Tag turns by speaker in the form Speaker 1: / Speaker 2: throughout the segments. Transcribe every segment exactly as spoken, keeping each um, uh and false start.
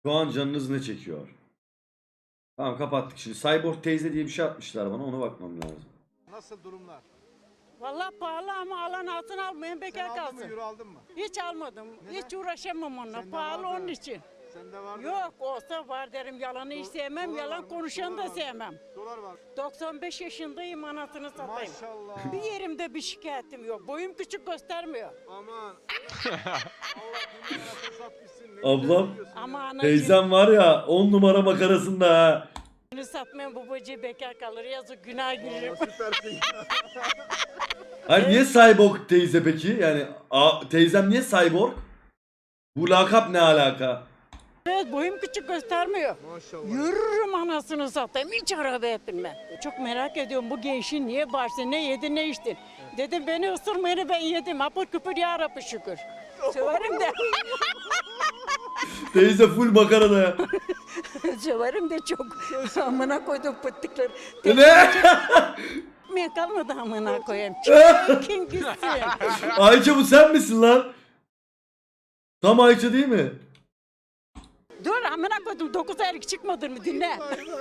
Speaker 1: Şu an canınız ne çekiyor? Tamam kapattık şimdi. Cyborg teyze diye bir şey atmışlar bana, ona bakmam lazım.
Speaker 2: Nasıl durumlar?
Speaker 3: Vallahi pahalı ama alan altın almayın
Speaker 2: Sen
Speaker 3: bekar
Speaker 2: aldın mı,
Speaker 3: kalsın.
Speaker 2: euro aldın mı?
Speaker 3: Hiç almadım.
Speaker 2: Neden?
Speaker 3: Hiç uğraşamam onunla.
Speaker 2: Sende
Speaker 3: Pahalı
Speaker 2: vardı.
Speaker 3: onun için.
Speaker 2: Sende var mı?
Speaker 3: Yok olsa var derim. Yalanı hiç sevmem.
Speaker 2: Dolar var
Speaker 3: Yalan
Speaker 2: mı?
Speaker 3: konuşanı
Speaker 2: Dolar
Speaker 3: da
Speaker 2: var mı?
Speaker 3: sevmem.
Speaker 2: Dolar var.
Speaker 3: doksan beş yaşındayım, anasını satayım.
Speaker 2: Maşallah.
Speaker 3: Bir yerimde bir şikayetim yok. Boyum küçük göstermiyor.
Speaker 2: Aman. Allah dünya anasını satmışsın. Ne
Speaker 1: Ablam.
Speaker 2: güzel diyorsun
Speaker 3: Ama
Speaker 2: ya.
Speaker 3: anacığım
Speaker 1: Teyzem var ya on numara makarasında ha.
Speaker 3: satmayan babacığı bekar kalır. Yazık günah girer.
Speaker 2: Aa, süpersin.
Speaker 1: Hayır niye Cyborg teyze peki? Yani a, teyzem niye Cyborg? Bu lakap ne alaka?
Speaker 3: Evet, boyum küçük göstermiyor.
Speaker 2: Maşallah.
Speaker 3: Yürürüm anasını satayım. Hiç arabaya binmem. Çok merak ediyorum bu gençin niye bağırsın, ne yedi ne içtin. Dedim beni ısırmayını ben yedim. Apır küpür ya Rabbi şükür. Severim de.
Speaker 1: Teyze full makarada ya.
Speaker 3: Severim de çok. Amına koydum pıttıkları.
Speaker 1: Ne?
Speaker 3: Tekmeye kalmadı amına koyayım. Kim gitsin?
Speaker 1: Ayça bu sen misin lan? Tam Ayça değil mi?
Speaker 3: Dur amına koydum. Dokuz aylık çıkmadın mı dinle.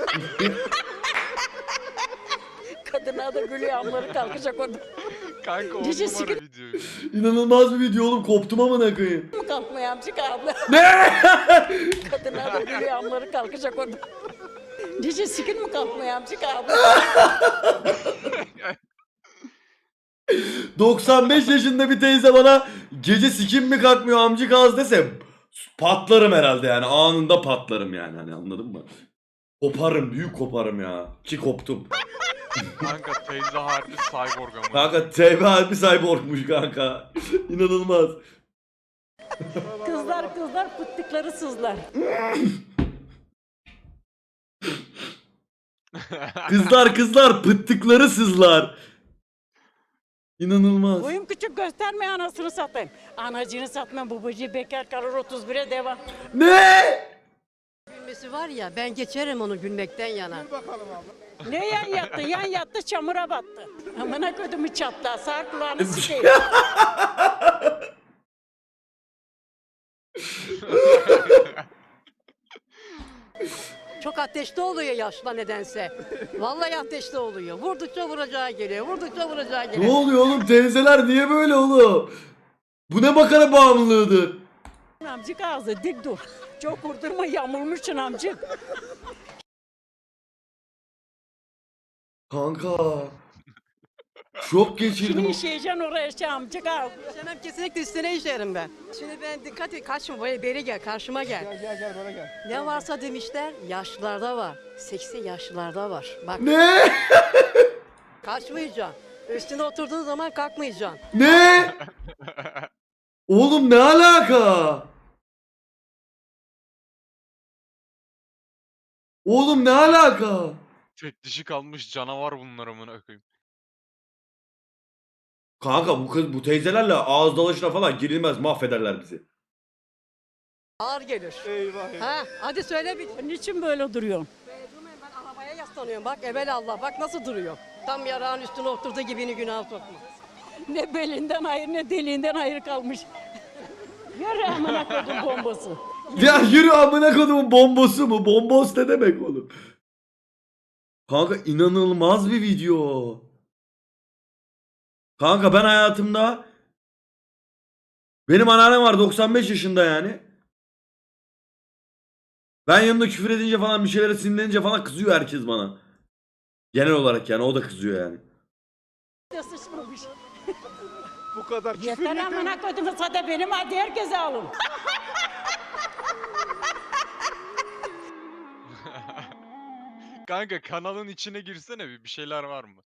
Speaker 3: Kadına da gülüyor, amları kalkacak orada.
Speaker 4: Kanka on
Speaker 3: Cici
Speaker 4: numara
Speaker 3: sikir-
Speaker 4: video.
Speaker 1: İnanılmaz bir video oğlum, koptum amına koyayım.
Speaker 3: Mı kalkmaya amcık abla?
Speaker 1: Ne?
Speaker 3: Kadına da gülüyor, amları kalkacak orada. Cici sikin mi kalkmaya amcık abla?
Speaker 1: doksan beş yaşında bir teyze bana gece sikim mi kalkmıyor amcık ağız dese patlarım herhalde yani, anında patlarım yani, hani anladın mı? Koparım, büyük koparım ya, ki koptum.
Speaker 4: Kanka teyze harbi cyborg ama.
Speaker 1: Kanka T B harbi cyborgmuş kanka. İnanılmaz.
Speaker 3: Kızlar kızlar pıttıkları sızlar.
Speaker 1: Kızlar kızlar pıttıkları sızlar. İnanılmaz.
Speaker 3: Boyum küçük gösterme anasını satayım. Anacını satma, babacığı bekar kalır, otuz bire devam.
Speaker 1: Ne?
Speaker 5: Gülmesi var ya, ben geçerim onu gülmekten yana.
Speaker 2: Bakalım abla.
Speaker 3: Ne yan yattı? Yan yattı, çamura battı. Amına kodumu çatla, sağ kulağını sikeyim.
Speaker 5: Çok ateşli oluyor yaşla nedense. Vallahi ateşli oluyor. Vurdukça vuracağı geliyor, vurdukça vuracağı
Speaker 1: Ne
Speaker 5: geliyor.
Speaker 1: oluyor oğlum, teyzeler niye böyle oğlum? Bu ne makara bağımlılığıdır?
Speaker 3: Amcık ağzı dik dur. Çok vurdurma, yamulmuşsun amcık.
Speaker 1: Kanka. Şok
Speaker 3: Şimdi
Speaker 1: geçirdim.
Speaker 3: işeyeceksin oraya şey amcık ağzı.
Speaker 5: İşlemem kesinlikle üstüne işerim ben. Şimdi ben dikkat et, kaçma böyle beri gel, karşıma gel.
Speaker 2: Gel gel gel bana gel.
Speaker 5: Ne varsa demişler, yaşlılarda var. Seksi yaşlılarda var. Bak,
Speaker 1: Ne?
Speaker 5: kaçmayacaksın. Üstüne oturduğun zaman kalkmayacaksın.
Speaker 1: Ne? Oğlum ne alaka? Oğlum ne alaka?
Speaker 4: Tek dişi kalmış canavar bunlar amına koyayım.
Speaker 1: Kanka bu kız bu teyzelerle ağız dalaşına falan girilmez, mahvederler bizi.
Speaker 5: Ağır gelir.
Speaker 2: Eyvah eyvah.
Speaker 5: Ha, hadi söyle bir.
Speaker 3: Niçin böyle duruyorsun?
Speaker 5: Durmayın, ben arabaya yaslanıyorum. Bak evvel Allah, bak nasıl duruyor. Tam yarağın üstüne oturduğu gibini günah sokma.
Speaker 3: Ne belinden hayır ne deliğinden hayır kalmış. Yürü amına kodum bombası.
Speaker 1: Ya yürü amına kodumun bombosu mu? Bombos ne demek oğlum? Kanka inanılmaz bir video. Kanka ben hayatımda, benim anneannem var doksan beş yaşında yani. Ben yanında küfür edince falan, bir şeylere sinirlenince falan kızıyor herkes bana. Genel olarak yani, o da kızıyor yani.
Speaker 3: De sıçmamış.
Speaker 2: Bu kadar küfür
Speaker 3: Yeter
Speaker 2: yeter.
Speaker 3: amına kodum, sada benim hadi herkese alın.
Speaker 4: Kanka kanalın içine girsene bir bir şeyler var mı?